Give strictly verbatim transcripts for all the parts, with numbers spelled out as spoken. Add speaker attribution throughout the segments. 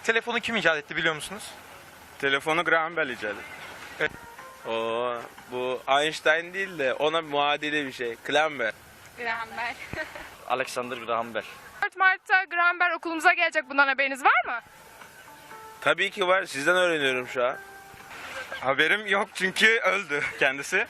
Speaker 1: Telefonu kim icat etti biliyor musunuz?
Speaker 2: Telefonu Graham Bell icat etti.
Speaker 1: Evet.
Speaker 2: Oo, bu Einstein değil de ona muadili bir şey. Klamber.
Speaker 3: Graham Bell.
Speaker 4: Alexander Graham Bell.
Speaker 3: dört Mart'ta Graham Bell okulumuza gelecek. Bundan haberiniz var mı?
Speaker 2: Tabii ki var. Sizden öğreniyorum şu an.
Speaker 1: Haberim yok çünkü öldü kendisi.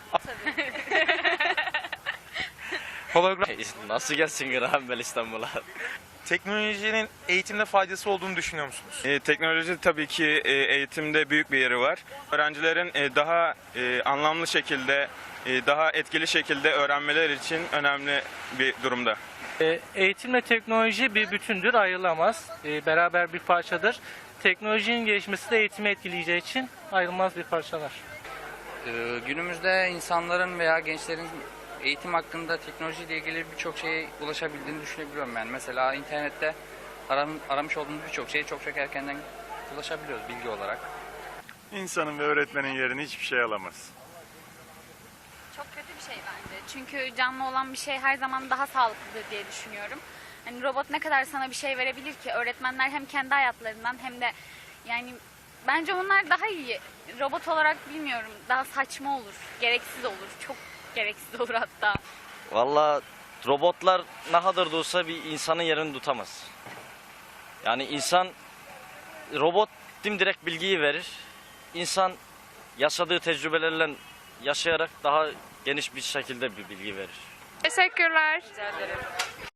Speaker 1: Hologram.
Speaker 4: Nasıl gelsin Graham Bell İstanbul'a?
Speaker 1: Teknolojinin eğitimde faydası olduğunu düşünüyor musunuz?
Speaker 2: E, teknoloji tabii ki e, eğitimde büyük bir yeri var. Öğrencilerin e, daha e, anlamlı şekilde, e, daha etkili şekilde öğrenmeleri için önemli bir durumda.
Speaker 5: E, Eğitimle teknoloji bir bütündür, ayrılamaz. E, Beraber bir parçadır. Teknolojinin gelişmesi de eğitimi etkileyeceği için ayrılmaz bir parçalar.
Speaker 6: Ee, Günümüzde insanların veya gençlerin eğitim hakkında teknolojiyle ilgili birçok şeye ulaşabildiğini düşünebiliyorum ben. Mesela internette aram, aramış olduğumuz birçok şeye çok çok erkenden ulaşabiliyoruz bilgi olarak.
Speaker 7: İnsanın ve öğretmenin yerini hiçbir şey alamaz.
Speaker 3: Çok kötü bir şey bence. Çünkü canlı olan bir şey her zaman daha sağlıklıdır diye düşünüyorum. Hani robot ne kadar sana bir şey verebilir ki? Öğretmenler hem kendi hayatlarından hem de yani bence onlar daha iyi. Robot olarak bilmiyorum. Daha saçma olur. Gereksiz olur. Çok gereksiz olur hatta.
Speaker 4: Valla robotlar ne kadar da olsa bir insanın yerini tutamaz. Yani insan, robot dimdirek bilgiyi verir. İnsan yaşadığı tecrübelerle yaşayarak daha geniş bir şekilde bir bilgi verir.
Speaker 3: Teşekkürler. Rica ederim.